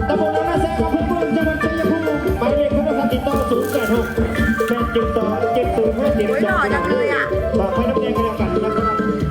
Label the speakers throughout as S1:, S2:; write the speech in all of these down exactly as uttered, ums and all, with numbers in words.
S1: ตำบลนาแซงอำเภอเมืองจังหวัดชัยภูมิหมายเลขโทรศัพท์ติดต่อศูนย์แปดหกแปดจุดสองเจ็ดศูนย์ห้าเจ็ดสองฝากไว้น้ำแดงกันแล้วกันนะครับ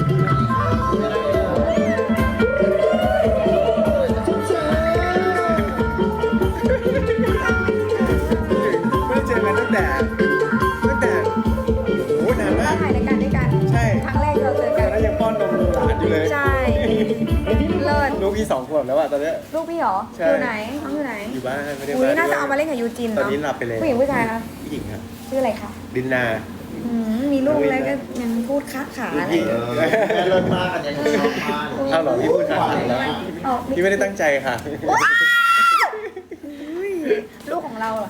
S2: ไม่ได้เจอกันตั้งแต่ตั้งแต่โอ้โหนานมาก
S3: ถ่ายรายการด้วยกัน
S2: ใช่
S3: ครั้งแรกเราเจอ
S2: ต
S3: กั
S2: อน นนั้นยังป้อนนมหลานอยู่เลย
S3: ใช่ เลิศ
S2: ลูกพี่สองขวบแล้วอะตอนเนี้ย
S3: ลูกพี่เหรอ
S2: ใช่
S3: อยู่ไหนน้องอยู่ไหน
S2: อยู่บ้านไม่ได้
S3: อุ้ย
S2: บ้าน
S3: น่าจะเอามาเล่นกับยูจิน
S2: ตอน
S3: เนาะ
S2: นี้หลับไปเลย
S3: ผู้หญิงผู้ชายคะ
S2: ผู้หญิงครับ
S3: ชื่ออะไรคะ
S2: ดินนา
S3: อืมมีลูกแล้วก็ยังพูดค้าขาอะไร
S2: พี่
S1: แม่เลิศมากกันยังชอบมาก
S2: เอาเหรอพี่พูดขาดแล้ว
S3: เอา
S2: พี่ไม่ได้ตั้งใจค่ะ
S3: อุ้ยลูกของเราเหรอ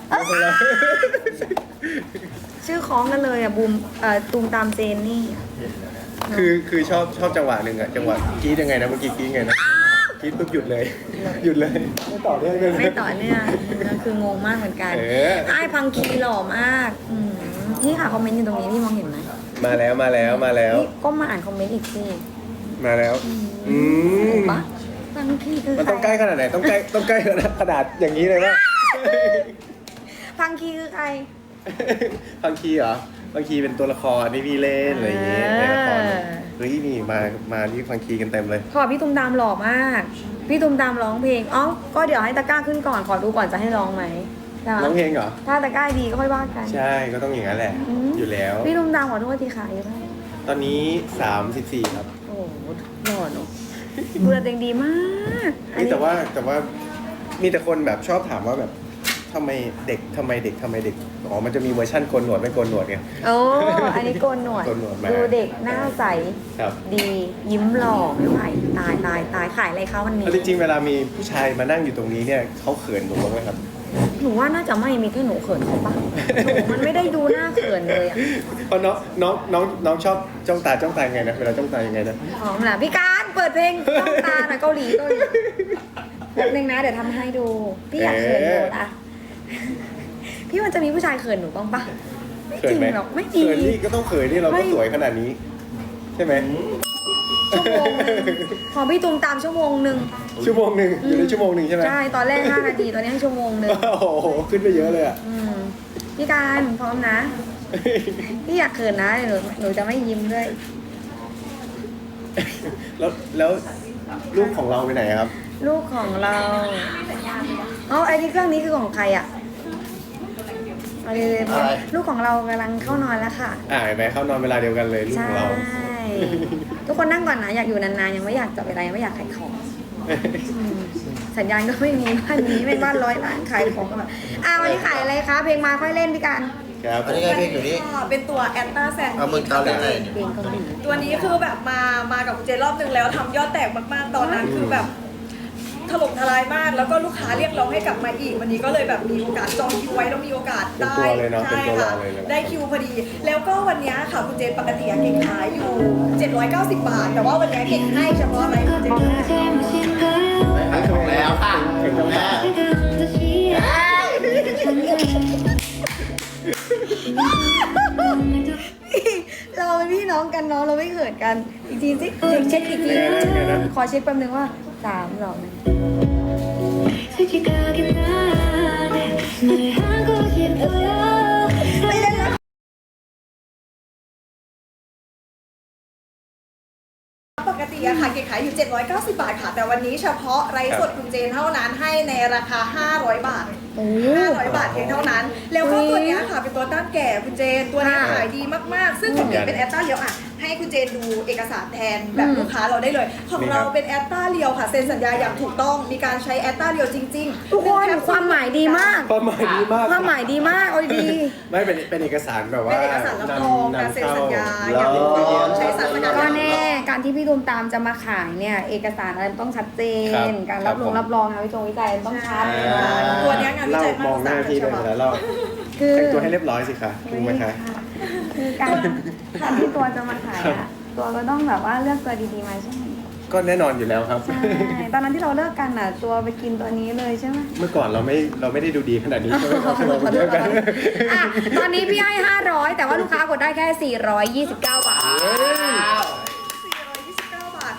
S3: ชื่อคล้องกันเลยอ่ะบูมเอ่อตูมตามเจนนี่
S2: คือคือชอบชอบจังหวะหนึ่งอะจังหวะกรี๊ดยังไงนะเมื่อกี้กรี๊ดยังไงนะกรี๊ดปุ๊บหยุดเลย หยุดเลยไม่ต่อเนื่องเลย
S3: ไม่ต่อเนื่องคืองงมากเหมือนกัน
S2: เออ
S3: ไอ้พังคีหล่อมากอืมนี่ค่ะคอมเมนต์อยู่ตรงนี้พี่มองเห็นไหม
S2: มาแล้วมาแล้วมาแล้ว
S3: นี่ก็มาอ่านคอมเมนต์อีกที
S2: มาแล้วอืม
S3: ปะพังคีคือ
S2: มัน
S3: ใคร
S2: ต้องใกล้ขนาดไหนต้องใกล้ต้องใกล้ขนาดอย่างนี้เลยว่า
S3: พังคีคือใคร
S2: บางทีเหรอบางทีเป็นตัวละครที่พี่เล่นอะไรอย่างเงี้ยในละครเฮ้ยนี่มามาที่ฟังคีกันเต็มเลย
S3: ขอพี่ตุ้มตามหล่อมาก พี่ตุ้มตามร้องเพลงอ๋อก็เดี๋ยวให้ตะกร้าขึ้นก่อนขอดูก่อนจะให้ร้องไหมใช่ไหม
S2: ร้องเพลงเหรอ
S3: ถ้าตะกร้าดีก็ค่อยว่ากัน
S2: ใช่ก็ต้องอย่างนั้นแหละ
S3: อืม
S2: อยู่แล้ว
S3: พี่ตุ้มตามขอโทษทีค่ะอายู่เท่าไหร่
S2: ตอนนี้สามสิบสี่ครับ
S3: โอ้โหหล่อเนอะดูแลตัวเองดีมากอัน
S2: นี่
S3: นี้
S2: แต่ว่าแต่ว่ามีแต่คนแบบชอบถามว่าแบบทำไมเด็กทำไมเด็กทำไมเด็กอ๋อมันจะมีเวอร์ชั่นโกนหนวดไม่โกนหนวดไง
S3: โอ้อันนี้โกนหนวด
S2: โกนหนวดมา
S3: ดูเด็กหน้าใส
S2: ครับ
S3: ดียิ้มหล่อไม่ไหวตายตายตายขายอะไรคะวันนี้
S2: แล้วจริงๆเวลามีผู้ชายมานั่งอยู่ตรงนี้เนี่ยเขาเขินหนูบ้างไหมครับ
S3: หนูว่าน่าจะไม่มีแค่หนูเขินเขาปะหนูมันไม่ได้ดูหน้าเขินเลยอะ
S2: เพราะน้องน้องน้องน้องชอบจ้องตาจ้องตายังไงนะเวลาจ้องตายังไงนะ
S3: หอมล่ะพี่การเปิดเพลงต้องตาหน่อยเกาหลีเกาหลีแป๊บนึงนะเดี๋ยวทำให้ดู พี่อยากเขินหนูละพี่มันจะมีผู้ชายเขินหนูบ้างปะไม่
S2: เขิ
S3: จ
S2: น
S3: ริง
S2: ไหม
S3: หรอกไม่มี
S2: เขินนี่ก็ต้องเขินนี่เรา
S3: ไม่
S2: ก็สวยขนาดนี้ ใช่ไหม
S3: ชั่วโมงหนึ่งของพี่ตูมตามชั่วโมงหนึ่ง
S2: ชั่วโมงหนึ่งอยู่ในชั่วโมงหนึ่งใช่ไหม
S3: ใช่ตอนแรกห้านาทีตอนนี้ให้ชั่วโมงหนึ่ง
S2: โอ้โหขึ้นไปเยอะเลยอ่ะ
S3: อืมพี่การพร้อมนะ พี่อยากเขินนะเดี๋ยวหนูหนูจะไม่ยิ้มด้วย
S2: แล้วแล้วลูกของเราไปไหนครับ
S3: ลูกของเราอ๋อไอ้นี่เครื่องนี้คือของใครอ่ะเอาเลยๆลูกของเรากำลังเข้านอนแล้วค่ะ
S2: อ่าเห็นไหมเข้านอนเวลาเดียวกันเลยลูก
S3: ใช่
S2: ของเรา
S3: ทุกคนนั่งก่อนนะอยากอยู่นานๆยังไม่อยากจับเวลายังไม่อยากขายของอืมสัญญาณก็ไม่มีบ้านนี้ไม่บ้านร้อยล้านขายของกันแบบอ่ะวันนี้ขายอะไรคะเพลงมาค่อยเล่นพี่การ
S2: ครับ
S1: อันนี้ไงเพลงอยู่นี่
S4: ค่ะเป็นตัวแอนตาแซน
S1: เอามึงตามเลย
S3: เพลงเกาหลี
S4: ตัวนี้คือแบบมามากับเจนรอบนึงแล้วทำยอดแตกมากๆ ตอนนั้นคือแบบถล่มทลายมาก แล้วก็ลูกค้าเรียกร้องให้กลับมาอีก วันนี้ก็เลยแบบมีโอกาสจองคิวไว้แล้วมีโอกาสได้
S2: เป็นตัวเลยเนาะ
S4: ใช่
S2: เป็นตัว
S4: ค่ะ
S2: เราเลยนะ
S4: ได้คิวพอดี แล้วก็วันนี้ค่ะคุณเจนปกติอะเก่งขายอยู่ เจ็ดร้อยเก้าสิบ บาท แต่ว่าวันนี้เก่งให้เฉพาะอะไรคุณเจน
S1: ขายของแล้วค่ะ
S2: เก่งจังเลย
S3: เราเป็นพี่น้องกันเนาะเราไม่เขินกันอีกทีสิเช็คเช็คอีกทีขอเช็คแป๊บนึงว่าสามสองหนึ่งไม่เล่นแล้ว
S4: ปกติอะค่ะเก่งขายอยู่ เจ็ดร้อยเก้าสิบ บาทค่ะ แต่วันนี้เฉพาะไลฟ์สดคุณเจนเท่านั้นให้ในราคา ห้าร้อย บาท
S3: โอ้
S4: ห้าร้อย บาทเพียงเท่านั้น แล้วก็ตัวเนี้ยค่ะเป็นตัวต้านแก่คุณเจน ตัวเนี้ย
S3: ค่ะ
S4: ขายดีมากๆ ซึ่งของนี้เป็นแอตตาเรียวอ่ะ ให้คุณเจนดูเอกสารแทนแบบ
S3: อืม
S4: ลูกค้าเราได้เลย ของเราเป็นแอตตาเรียวค่ะ เซ็นสัญญาอย่างถูกต้อง มีการใช้แอตตาเรียวจริงๆ
S3: ทุกคนความหมายดีมาก
S2: ความหมายดีมาก
S3: ความหมายดีมากเอาดี
S2: ไม่เป็นเป็นเอกสารแบบว่า
S4: เป็นเอกสารรับรองการเซ็นสัญญาอย่างถูกต้องใช้สารสกัด
S3: ก็แน่การที่พี่ตูมตามจะมาขายเนี่ยเอกสารอะไรมันต้องชัดเจน การรับรองรับรองงานวิจงวิจัยมันต้องชัด
S4: ตัวเนี้ยงานวิ
S2: เล่า
S4: จัย
S2: มองหน้าพี่เลยแล้วเรา
S3: คือ
S2: แต่งตัวให้เรียบร้อยสิคะรู้ไหมคะ
S3: คือการการที่ตัวจะมาขายอะตัวก็ต้องแบบว่าเลือกตัวดีๆมาใช่ไหม
S2: ก็แน่นอนอยู่แล้วครับ
S3: ใช่ตอนนั้นที่เราเลิกกันอ่ะ ตัวไปกินตัวนี้เลยใช่ไหม
S2: เมื่อก่อนเราไม่เราไม่ได้ดูดีขนาดนี้ใช่ไหมครับ
S3: ขอโทษขอโทษขอโทษอ่ะตอนนี้พี่ให้ห้าร้อยแต่ว่าลูกค้ากดได้แค่สี่ร้อยยี่สิบเก้าบาท
S4: สี่ร้อยยี่สิบเก้า บาท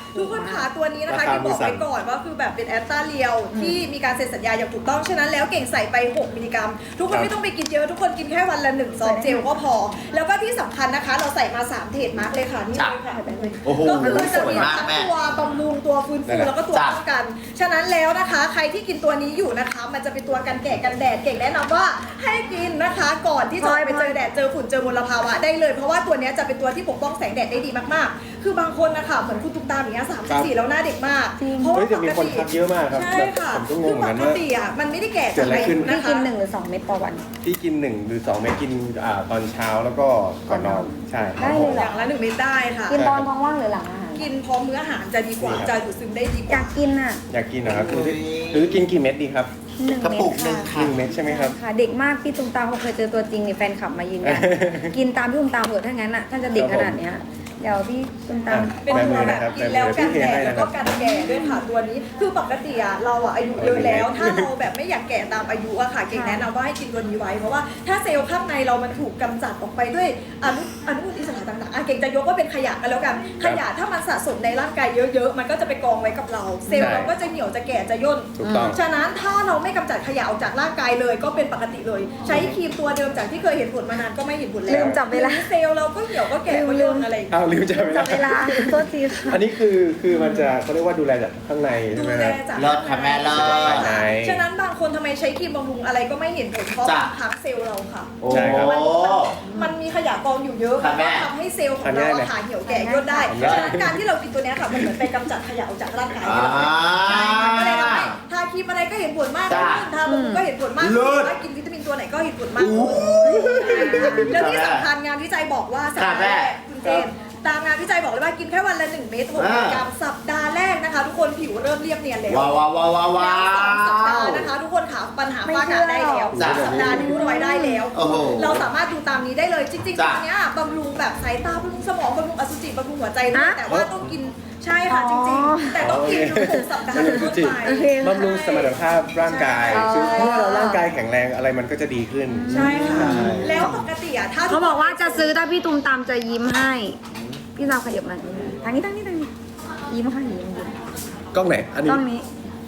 S4: ทุกคนขาตัวนี้นะคะ
S2: ราคา
S4: ที่บอก
S2: มือสั่
S4: ไว้
S2: น
S4: ก่อนว่าคือแบบเป็นแอสตาเรียวที่มีการเซ็นสัญญาอย่างถูกต้องฉะนั้นแล้วเก่งใส่ไปหกมิลลิกรัมทุกคนไม่ต้องไปกินเยอะทุกคนกินแค่วันละหนึ่งซองเจลก็พอ แล้วก็ที่สำคัญนะคะเราใส่มาสามเทรดมาร์กเลยค่ะนี่เลยค่ะ
S2: โอ้โห
S4: ก็คือจะมี
S5: สวยมาก
S4: ทั้ง
S5: แม่
S4: ตัวบำรุงตัวฟื้นฟูแล้วก็ตัวป้องกัน ฉะนั้นแล้วนะคะใครที่กินตัวนี้อยู่นะคะ มันจะเป็นตัวกันแก่กันแดดเก่งแนะนำว่าให้กินนะคะ ก่อนที่จะไปเจอแดดเจอฝุ่นเจอมลภาวะได้เลย เพราะว่าตัวนี้จะเป็นตัวที่ปกป้องแสงแดดได้ดีมากๆ คือบางคนนะคะเหมือนคุณตุ๊กตาอย่างเงี้ยสามสิบสี่แล้วหน้าเด็กมากเพราะ
S2: เฮ้
S4: ว่าย
S2: แต่มีคนทักเยอะมากครับ
S4: ใช่ค่ะ
S2: ผมก็ง
S4: คื
S2: ง
S4: อ
S2: เหมือน
S4: ป
S2: กัน
S4: ก
S2: ว่า
S4: ติอ่ะมันไม่ได้แก่
S2: เกิดอะไรขึ้น
S4: นะ
S3: พี่
S4: คะ
S3: กินหนึ่งหรือสองเม็ดต่อวัน
S2: ที่กินหนึ่งหรือสองเม็ดกินอ่าตอนเช้าแล้วก็ก่อนนอนใช่ครับ
S3: ได้
S2: ผ
S3: เลย
S2: ม
S3: เหร
S4: อย่างละหนึ่งเม็ดได้ค่ะ
S3: กินตอนท้องว่างหรือหลังอาหาร
S4: กินพร้อมมื้ออาหารจะดีกว่า
S2: ดีครับ
S4: จะดูดซึมได้ดีก
S3: อยา
S4: ว่า
S3: กกินอ่ะ
S2: อยากกินนะครับหรือหรือกินกี่เม็ดดีครับ
S3: หนึ่ง
S5: กระ
S3: เม็
S5: ปุ
S3: ด
S5: กหนึ่ง
S3: ค่ะ
S2: หนึ่งเม็ดใช่ไหมครับ
S3: ค่ะเด็กมากพี่ตุ้มตามเขาเคยเจอตัวจริงนี่แฟนคลับมายืนยัน กินตามพี่ตุ้มตามเถอะถ้างั้นอ่ะถ้าจะเด็กขนาดเนี้ยเดี๋ยวพี่ตุ้มตาม
S4: เป็น
S2: แบบ
S4: ตัว
S2: มือ
S4: แบ
S2: นะ
S4: บ
S2: ครับ
S4: กินแล้ว
S2: แบบมื
S4: กั
S2: อน พี่
S4: แด
S2: เทให้
S4: ดแล้ว
S2: นะค
S4: ก็
S2: รับ
S4: กันแก่ด้วยค่ะตัวนี้ คือปกติอะเราอะอายุเยอะแล้ว ถ้าเราแบบไม่อยากแก่ตามอายุอะค่ะเก่งแนะนำว่าให้กินตัวนี้ไว้เพราะว่าถ้าเซลล์ข้างในเรามันถูกกำจัดออกไปด้วยอนุอนุมูลอิสระต่างๆอะเก่งจะยกว่าเป็นขยะกันแล้วกันขยะถ้ามันสะสมในร่างกายเยอะๆมันก็จะไปกองไว้กับเรา เซลล์เราก็จะเหี่ยวจะแก่จะย่น
S2: ถูกต้อง
S4: ฉะนั้นถ้าเราไม่กำจัดขยะออกจากร่างกายเลยก็เป็นปกติเลย ใช้ครีมตัวเดิมจากที่เคยเห็นผลมานานก็ไม่เห็นผลแล้ว
S3: ลืมจับเวลา
S4: เซลล์เราก็เหี่ยวก็แก่ก็ย่นอะไรอย่างเงี้ย
S2: อ้าวลืมจับเว
S3: จั
S2: ลา
S3: บเวลาโทษทีค่ะ
S2: อันนี้คือคือมันจะเขาเรียกว่าดูแลจากข้างในใช่
S4: ดู
S2: ไหม
S4: แล
S2: ครับ
S4: จาก
S5: เลิศค่ะแม่เลิศ
S2: ภายใน
S4: ฉะนั้นบางคนทำไมใช้ครีมบำรุงอะไรก็ไม่เห็นผลเพราะ
S5: จ้ะ
S4: มันพักเซลล์เราค่ะ
S5: โอ้
S2: ใช่ครับ
S4: มันมันมีขยะกองอยู่เยอะ
S5: ค่ะแม่
S4: ทำให้เซลล์ของเราอะค่ะเหี่ยวแก่ย่นได้
S2: ทานง่าย
S4: ฉะนั้นการที่เรากินตัวเนี้ยค่ะมันเหมือนไปกำจัดขยะออกจากร่างกาย
S5: อ่า
S4: ใช่ค่ะก็เลยทำให้ทาครีมอะไรก็เห็นผลมาก
S5: จ้ะ
S4: ขึ้นทาบำรุงก็เห็นผลมาก
S5: เลิ
S4: ขึ้น
S5: ศ
S4: ว่ากินวิตามินตัวไหนก็เห็นผลมาก
S5: อู้
S4: ขึ้นแล้วที่สำคัญงานวิจัยบอกว่าสัปดาห์
S5: ค่ะแม่
S4: แรกคุณเจนตามงานวิจัยบอกเลยว่ากินแค่วันละหนึ่งเม็ดหก
S5: อ่า
S4: กรัมสัปดาห์แรกนะคะ ทุกคนผิวเริ่มเรียบเนียนแล้ว
S5: ว้าวว้าวว้าวว้าวว้า
S4: แล้วสองสัปดาห์
S5: ว
S4: นะคะ ทุกคนขาปัญหา
S3: ไม่
S4: ฝ้ากระได้แล้ว
S3: เชื่อ
S5: จ้ะ
S4: สัปดาห์นิ้วรอยได้แล้ว
S5: โอ้โห
S4: เราสามารถดูตามนี้ได้เลยจริงๆ
S5: จ้ะ
S4: ตัวเนี้ยบำรุงแบบสายตาบำรุงสมองบำรุงอสุจิบำรุงหัวใจด้วย
S3: ฮะ
S4: แต่ว่าต้องกินใช่ค่ะ
S3: อ๋อ
S4: จริงๆ แต่ต้องกินทุกๆสัปดาห์เป็นต้นไป
S3: โอเค
S2: บำรุงสมรรถภาพร่างกาย
S4: ใช่
S2: คือเพราะว่าเราร่างกายแข็งแรงอะไรมันก็จะดีขึ้น
S4: ใช่ค่ะ
S2: ใช่
S4: แล้วปกติอะถ้า
S3: เขาบอกว่าจะซื้อถ้าพี่ตุ้มตามจะยิ้มให้ พี่ตามขยับมาทางนี้ทางนี้ทางนี้ยิ้มค่ะยิ้มยิ้ม
S2: กล้องไหน อันนี้
S3: ต้องนี้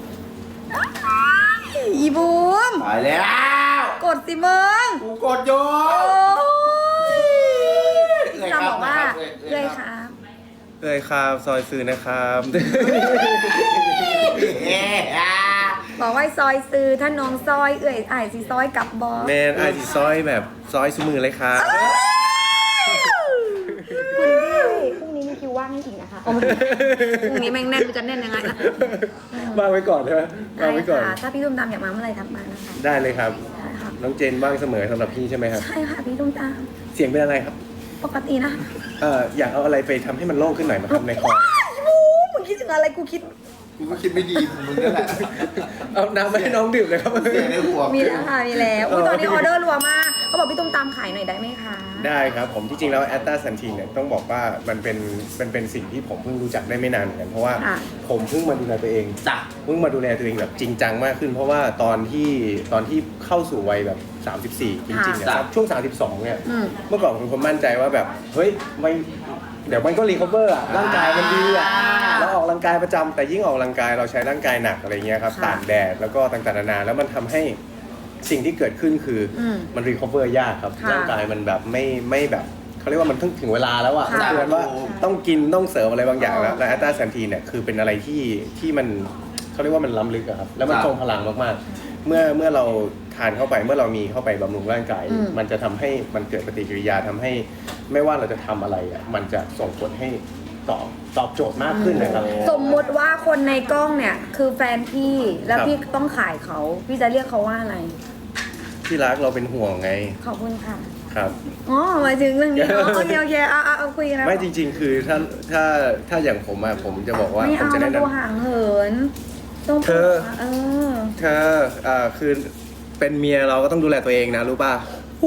S3: อีบูม
S5: ไปแล้ว
S3: กดสิมึง
S5: กูกดอยู่
S3: โอ้ย
S5: เอ่ย
S3: เรา
S5: ครับ
S3: บอกว่า
S5: เอ่
S3: เลย ย
S5: ค
S3: ค
S5: รั
S3: รับ บ
S2: เอ้ยครับซอยซื้อนะครับ
S5: เอ๊ะอ่ะ
S3: บอกว่าซอยซื้อถ้าน้องซอยเอื่อยไอ้ายสิซอยกลับบอ
S2: แมนไอจีซอยแบบซอยสมือเลยครับ
S3: คุณพี่พรุ่งนี้มีคิวว่างให้อีกนะคะโอ้ยพรุ่งนี้แม่งแน่นจะแน่นยังไงนะ
S2: วางไว้ก่อนใช่ไหมวางไว้ก่อน
S3: ได้ค่ะถ้าพี่ตุ้มตามอยากมาเมื่อไหร่ทักมานะคะ
S2: ได้เลยครับ
S3: ได้ค่ะ
S2: น้องเจนว่างเสมอสำหรับพี่ใช่ไหมครับ
S3: ใช่ค่ะพี่ตุ้มตาม
S2: เสียงเป็นอะไรครับ
S3: ปกตินะ
S2: เอ่ออยากเอาอะไรไปทำให้มันโล่งขึ้นหน่อยมาทำในคอ
S3: ว้ายบูมมึงคิดถึงอะไรกูคิด
S5: กูก็คิดไม่ดีมึงนั่นแหละ
S2: เอาน้ำมาให้น้องดื่มเลยครับ
S5: เสียในหัว
S3: มีแล้วค่ะมีแล้วอุ๊ยตอนนี้ออเดอร์รัวมากเขาบอกพี่ตุ้มตามขายหน่อยได้ไหมคะ
S2: ได้ครับผมที่จริงแล้วแอตตาซันทีนเนี่ยต้องบอกว่ามันเป็นมันเป็นสิ่งที่ผมเพิ่งรู้จักได้ไม่นานเหมือนกันเพราะว่า
S3: ค่ะ
S2: ผมเพิ่งมาดูแลตัวเอง
S5: จ้ะ
S2: เพิ่งมาดูแลตัวเองแบบจริงจังมากขึ้น เพราะว่าตอนที่ตอนที่เข้าสู่วัยแบบสามสิบสี่จริงๆเนี่ย
S5: ค่ะ
S2: ครับช่วงสามสิบสองเนี่ย
S3: อืม
S2: เมื่อก่อนผมคนมั่นใจว่าแบบเฮ้ยไม่เดี๋ยวมันก็รีคอเวอร์อะร่างกายมันดีอะ
S5: อ่า
S2: เราออกกำลังกายประจำแต่ยิ่งออกกำลังกายเราใช้ร่างกายหนักอะไรเงี้ยครับ
S3: ค่ะ
S2: ตากแดดแล้วก็ต่างๆนานาแล้วมันทำให้สิ่งที่เกิดขึ้นคืออ
S3: ม
S2: มันรีคอเวอร์ยากครับ
S3: ค่ะ
S2: ร่างกายมันแบบไม่ไม่แบบเขาเรียกว่ามันถึงถึงเวลาแล้วอะ
S3: ค่ะ
S2: เตือนว่าต้องกินต้องเสริมอะไรบางอย่างแล้ว
S3: อ๋อ
S2: และแอตตาซันทีนเนี่ยคือเป็นอะไรที่ที่มันเขาเรียกว่ามันล้ำลึกอะครับแล้วมัน
S5: ครับ
S2: ทรงพลังมากๆ เมื่อเมื่อเราทานเข้าไปเมื่อเรามีเข้าไปบำรุงร่างกาย
S3: อืม
S2: มันจะทำให้มันเกิดปฏิกิริยาทำให้ไม่ว่าเราจะทำอะไรอะมันจะส่งผลให้ตอบตอบโจทย์มากขึ้นนะครับ
S3: สมมุติว่าคนในกล้องเนี่ยคือแฟนพี่แล้ว
S2: ครับ
S3: พี่ต้องขายเขาพี่จะเรียกเขาว่าอะไร
S2: ที่รักเราเป็นห่วงไง
S3: ขอบคุณค่ะ
S2: ครับ
S3: อ๋อหมายถึงเรื่องนี้เนาะโอเคโอเคเอาเอาเอาคุยกันนะ
S2: ไม่จริง ๆ คือถ้าถ้าถ้าอย่างผมอะผมจะบอกว่า
S3: ไม่
S2: ผม
S3: เอา
S2: จะ
S3: มั
S2: แนะ
S3: น
S2: น
S3: ดูห่างเหินต้อง
S2: เธอ
S3: เออ
S2: ำเธออ่าคือเป็นเมียเราก็ต้องดูแลตัวเองนะรู้ป่ะ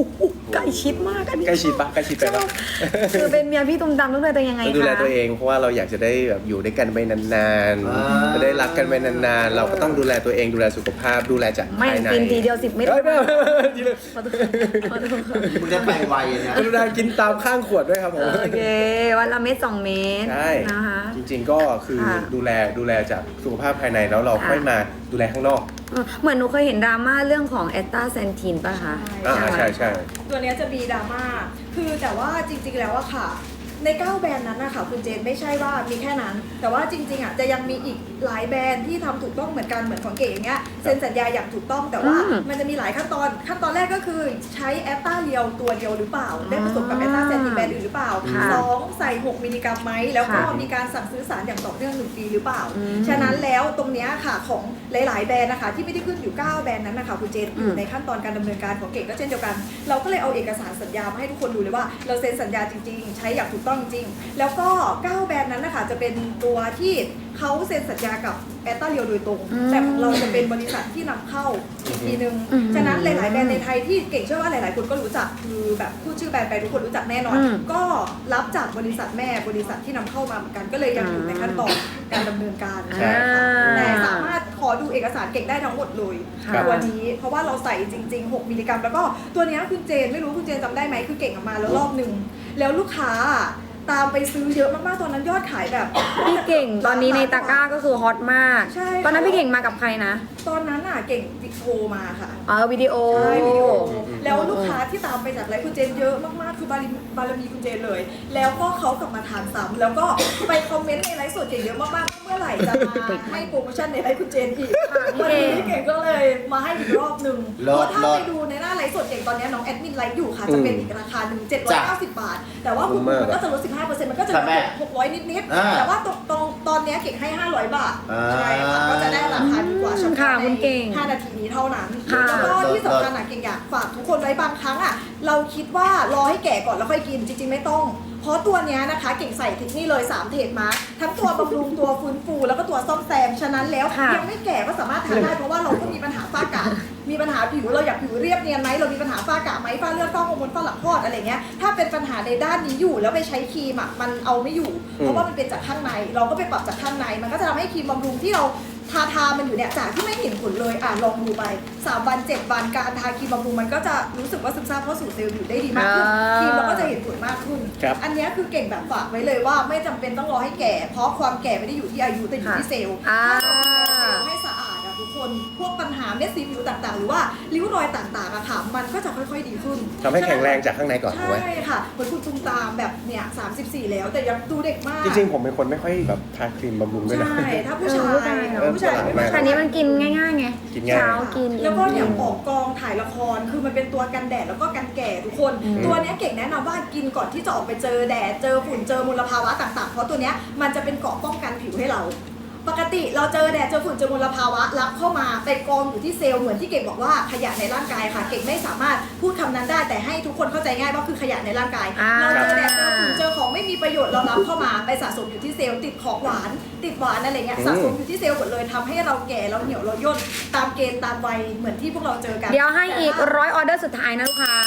S3: ใกล้ชิดมากอันนี้
S2: ใกล้ชิดปะใกล้ชิดไปปะ
S3: คือเป็นเมียพี่ตุ้มตามต้องดูแลตัวเองยังไง
S2: ต้องดูแล
S3: คะ
S2: ตัวเองเพราะว่าเราอยากจะได้แบบอยู่ด้วยกันไปนานๆจะได้รักกันไปนานๆเราก็ต้องดูแลตัวเองดูแลสุขภาพดูแลจาก
S3: ไม่
S2: ภายใน
S3: กินทีเดียวสิบเม็ด
S2: เอ้ยไม่ไม่ไม่ทีเดียว
S3: ขอโทษขอโทษ
S5: มึงจะไปไวนะ
S2: กรุณากินตามข้างขวดด้วยครับผม
S3: โอเควันละเม็ดสองเม็ด
S2: ใช่
S3: นะคะ
S2: จริงๆก็คือ
S3: ค่ะ
S2: ดูแลดูแลจากสุขภาพภายในแล้วเรา
S3: ค่ะ
S2: ค่อยมาดูแลข้างนอก
S3: เออเหมือนหนูเคยเห็นดราม่าเรื่องของแอตตาแซนทีนป่ะคะ
S2: อ่าใช่ใช่
S4: ตัวเนี้ยจะมีดราม่า คือแต่ว่าจริงๆ แล้วอะค่ะ ในเก้าแบรนด์นั้นนะคะคุณเจนไม่ใช่ว่ามีแค่นั้น แต่ว่าจริงๆอะจะยังมีอีกหลายแบรนด์ที่ทำถูกต้องเหมือนกันเหมือนของเก๋อย่างเงี้ยเซ็นสัญญาอย่างถูกต้องแต่ว่า
S3: อืม
S4: มันจะมีหลายขั้นตอนขั้นตอนแรกก็คือใช้แอตตาเรียวตัวเดียวหรือเปล่า ได้ผสมกับแอตตาแซนทีนแบรนด์อื่นหรือเปล่า
S3: ค่ะ
S4: สองใส่หกมิลลิกรัมไหมแล้วก็
S3: ค่ะ
S4: มีการสั่งซื้อสารอย่างต่อเนื่องหนึ่งปีหรือเปล่า
S3: อืม
S4: ฉะนั้นแล้วตรงเนี้ยค่ะของหลายๆแบรนด์นะคะที่ไม่ได้ขึ้นอยู่เก้าแบรนด์นั้นนะคะคุณเจนอยู่ในขั้นตอนการดำเนินการของเก๋ก็เช่นเดียวกัน เราก็เลยเอาเอกสารสัญญามาให้ทุกคนดูเลยว่าเราเซ็นสัญญาจริงๆ ใช้อย่างถูกต้องจริงแล้วก็เก้าแบรนด์นั้นนะคะจะเป็นตัวที่เขาเซ็นสัญญากับแอตตาเรียวโดยตรง
S3: อืม
S4: แต่ของเราจะเป็นบริษัทที่นำเข้าอีกทีนึง
S3: อืม
S4: ฉะนั้นหลายๆแบรนด์ในไทยที่เก่งเชื่อว่าหลายๆคนก็รู้จักคือแบบพูดชื่อแบรนด์ไปทุกคนรู้จักแน่นอน
S3: อืม
S4: ก็รับจากบริษัทแม่บริษัทที่นำเข้ามาเหมือนกันก็เลยยังอยู่ในขั้นตอนการดำเนินการ
S2: ใช่
S4: แต่สามารถขอดูเอกสารเก่งได้ทั้งหมดเลย
S3: ค่ะ
S4: ตัวนี้เพราะว่าเราใส่จริงๆ หกมิลลิกรัม แล้วก็ตัวเนี้ยคุณเจนไม่รู้คุณเจนจำได้ไหมคือเก่งออกมาแล้วรอบหนึ่งแล้วลูกค้าตามไปซื้อเยอะมากๆตอนนั้นยอดขายแบบ
S3: พี่เก่งตอนนี้ในตะกร้าก็คือฮอตมาก
S4: ใช่
S3: ตอนนั้นพี่เก่งมากับใครนะ
S4: ตอนนั้นน่ะเก่งวิดีโอมาค่ะ
S3: เออวิดีโอ
S4: ใช่วิดีโอแล้วลูกค้าที่ตามไปจากไลฟ์คุณเจนเยอะมากๆ คือบารมีบารมีคุณเจนเลย แล้วก็เขากลับมาทานซ้ำแล้วก็ไปคอมเมนต์ในไลฟ์สดเก่งเยอะมากๆ เมื่อไหร่จะมาให้โปรโมชั่นในไลฟ์คุณเจนอีก
S3: ค่ะพี่
S4: วัน
S3: เก่ง
S4: นี้เก่งก็เลยมาให้อีกรอบหนึ่ง
S5: เลิ
S4: เพ
S5: ศ
S4: ราะถ้า
S5: เลิศ
S4: ไปดูในหน้าไลฟ์สดเก่งตอนนี้น้องแอดมินไลฟ์อยู่ค่ะ จะเป็นอีกราคาหนึ่งเจ็ดร้อยเก้าสิบบาท แต่ว่าคุณมันก็จะลดสิบห้าเปอร์เซ็นต์มันก็จะเหลื
S5: ค่ะแม่
S4: อหกร้อยนิด
S5: อ่า
S4: ๆ แต่ว่าตรงตรงตอนนี้เก่งให้ห้าร้อยบาท
S5: อ่า
S4: ใช่ค่ะก็จะได้ราคาดีกว่าเฉพาะ
S3: ค่ะ
S4: ใน
S3: คุณเก่ง
S4: ห้านาทีนี้เท่านั้น
S3: ค่ะ
S4: แล้วก็ที่สำคัญอะเก่งอยากฝากทุกคนไว้บางครั้งอะเราคิดว่ารอให้แก่ก่อนแล้วค่อยกินจริงๆไม่ต้อง เพราะตัวเนี้ยนะคะเก่งใส่ถึงนี่เลยสามเทปมาทั้งตัวบำรุงตัวฟื้นฟูแล้วก็ตัวซ่อมแซมฉะนั้นแล้ว
S3: ค่ะ
S4: ยังไม่แก่ก็สามารถทานได้เพราะว่าเราก็มีปัญหาฝ้ากระมีปัญหาผิวเราอยากผิวเรียบเนียนไหมเรามีปัญหาฝ้ากระไหมฝ้าเลือดฝ้าฮอร์โมนฝ้าหลังคลอดอะไรเงี้ยถ้าเป็นปัญหาในด้านนี้อยู่แล้วไปใช้ครีมอะมันเอาไม่อยู่ เพราะว่ามันเป็นจากข้างในเราก็ไปปรับจากข้างในมันก็จะทำให้ครีมบำรุงที่เราทาทามันอยู่เนี่ยจากที่ไม่เห็นผลเลยอ่ะลองดูไปสามวันเจ็ดวันการทาครีมบำรุงมันก็จะรู้สึกว่าซึมซาบเข้าสู่เซลล์อยู่ได้ดีมากขึ้น
S3: อ่า
S4: ครีมเราก็จะเห็นผลมากขึ้น
S2: ครับ
S4: อันเนี้ยคือเก่งแบบฝากไว้เลยว่าไม่จำเป็นต้องรอให้แก่ เพราะความแก่ไม่ได้อยู่ที่อายุแต่อยู่ที่เซลล์
S3: อ่า
S4: ถ้าเราดูแลเซลล์ให้สะอาดอะทุกคนพวกปัญหาเม็ดสีผิวต่างๆ หรือว่าริ้วรอยต่างๆอะค่ะมันก็จะค่อยๆดีขึ้น
S2: ทำให้แข็งแรงจากข้างในก่อนถูกไหม
S4: ใช่ค่ะเหมือนคุณตุ้มตามแบบเนี่ยสามสิบสี่แล้วแต่ยังดูเด็กมาก
S2: จริงๆผมเป็นคนไม่ค่อยแบบทาครีมบำรุงด้วยนะ
S4: ใช่ถ้าผู้ชาย
S3: เออ
S4: ผู้ชายไม่
S3: แต่อันนี้มันกินง่ายๆไง
S2: กินง่าย
S3: เช้ากินเย็น
S4: แล้วก็เนี่ย
S3: กิน
S4: ออกกองถ่ายละครคือมันเป็นตัวกันแดดแล้วก็กันแก่ทุกคน
S3: อืม
S4: ตัวเนี้ยเก่งแนะนำว่ากินก่อนที่จะออกไปเจอแดดเจอฝุ่นเจอมลภาวะต่างๆ เพราะตัวเนี้ยมันจะเป็นเกราะป้องกันผิวให้เรา ปกติเราเจอแดดเจอฝุ่นเจอมลภาวะรับเข้ามาไปกองอยู่ที่เซลล์เหมือนที่เก่งบอกว่าขยะในร่างกายค่ะ เก่งไม่สามารถพูดคำนั้นได้แต่ให้ทุกคนเข้าใจง่ายว่าคือขยะในร่างกาย
S3: อ่า
S4: เราเจอแดดเจอฝุ่นเจอของไม่มีประโยชน์เรารับเข้ามาไปสะสมอยู่ที่เซลล์ติดของหวาน ติดหวานอะไรเงี้ย
S2: อืม
S4: สะสมอยู่ที่เซลล์หมดเลยทำให้เราแก่เราเหี่ยวเราย่นตามเกณฑ์ตามวัยเหมือนที่พวกเราเจอกัน
S3: เดี๋ยวให้อีกร้อยออเดอร์สุดท้ายนะลูกค้า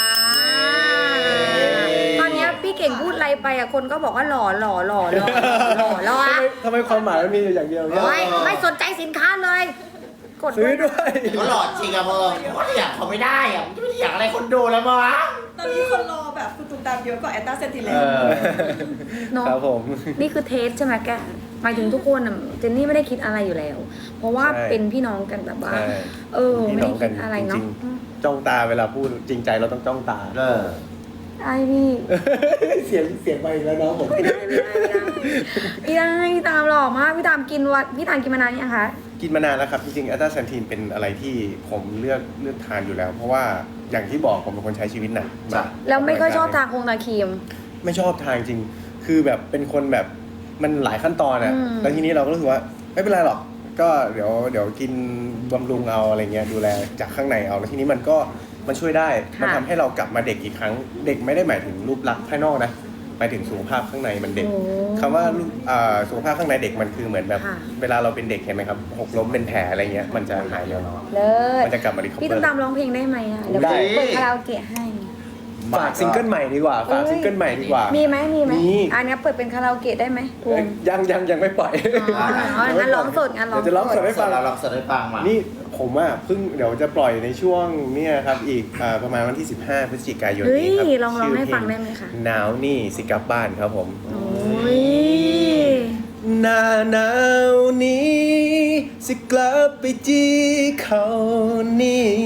S3: ตอนเนี้ยพี่เก่งพูดอะไรไปอะคนก็บอกว่าหล่อหล่อหล่อหล่อหล่อหล่อ
S2: ทำ
S3: อะ
S2: ไมทำไมความหมายมันมีอยู่อย่างเดียวเนี่ย
S3: ไม่ไม่สนใจสินค้าเลย กด
S2: ซื้อด้วย
S5: ก็หลอดจริงอะเพิ่มก็อยากเขาไม่ได้อะมันจะไม่ได้อยากอะไรคนดูแล้วมั้งวะ
S4: ตอนนี้คนรอแบบคุณตุ้มตามเยอะกว่าแอตตาเซนติเล
S2: เอน อ
S3: เนาะ
S2: ครับผม
S3: นี่คือเทสใช่ไหมแกหมายถึงทุกคนอะเจนนี่ไม่ได้คิดอะไรอยู่แล้ว เพราะว่า
S2: ใช่
S3: เป็นพี่น้องกันแบบว่า
S2: ใช่
S3: เออ
S2: พี่
S3: ไม่
S2: น้
S3: ได้
S2: องกั
S3: คิ
S2: น
S3: ดอะไร
S2: จ
S3: เนาะ
S2: ริงๆจ้องตาเวลาพูดจริงใจเราต้องจ้องตา
S5: เออ
S3: ไอพี่
S2: เสียงเสียงไปอีกแล้วน้องผม
S3: ไม่ได้ไม่ได้ไม่ได้ไม่ได้พี่ตามหล่อมากพี่ตามกินวัดพี่ตามกินมานานยังคะ
S2: กินมานานแล้วครับ จริงๆอัลตราแซนทีนเป็นอะไรที่ผมเลือกเลือกทานอยู่แล้ว เพราะว่าอย่างที่บอกผมเป็นคนใช้ชีวิตหนัก
S5: จ้ะ
S3: แล้วไม่ค่อยชอบทาคงทาครีม
S2: ไม่ชอบทานจริง คือแบบเป็นคนแบบมันหลายขั้นตอนอ่ะ
S3: อืม
S2: แล้วทีนี้เราก็รู้สึกว่าไม่เป็นไรหรอก ก็เดี๋ยวเดี๋ยวกินบำรุงเอาอะไรเงี้ยดูแลจากข้างในเอาแล้วทีนี้มันก็มันช่วยได้ มันทำให้เรากลับมาเด็กอีกครั้ง เด็กไม่ได้หมายถึงรูปลักษณ์ภายนอกนะหมายถึงสุขภาพข้างในมันเด็ก
S3: โอ้
S2: คำว่ารูปอ่าสุขภาพข้างในเด็กมันคือเหมือนแบบ
S3: ค่ะ
S2: เวลาเราเป็นเด็กเห็นไหมครับหกล้มเป็นแผลอะไรเงี้ยมันจะหายเร็ว
S3: เลิศ
S2: มันจะกลับมารีคอเวอร์
S3: พี่ตุ้มตามร้องเพลงได้ไหมอ่ะเดี๋ยว
S2: ได้
S3: เปิดคาราโอเกะให้
S2: ฝากซิงเกิลใหม่ดีกว่าฝากซิงเกิลใหม่ดีกว่า
S3: มีไหมมีไหม
S2: มี
S3: อันนี้เปิดเป็นคาราโอเกะได้ไหมภูมิ
S2: ยังยังยังไม่ปล่อย
S3: อ๋ออ๋องั้นร้องสดงั้นร้อง
S2: เดี๋ยวจะร้องสดให้ฟัง
S5: เราลองสดให้ฟังมา
S2: นี่ผมอ่ะเพิ่งเดี๋ยวจะปล่อยในช่วงเนี่ยครับอีกอ่าประมาณวันที่สิบห้าพฤศจิกายน
S3: เฮ้ย
S2: นี้ครับ
S3: ลองร้องให้ฟังได้ไหมคะ
S2: หนาวนี่สิกลับบ้านครับผม
S3: โอ้ย
S2: หน้าหนาวนี้สิกลับไปจีเขานี่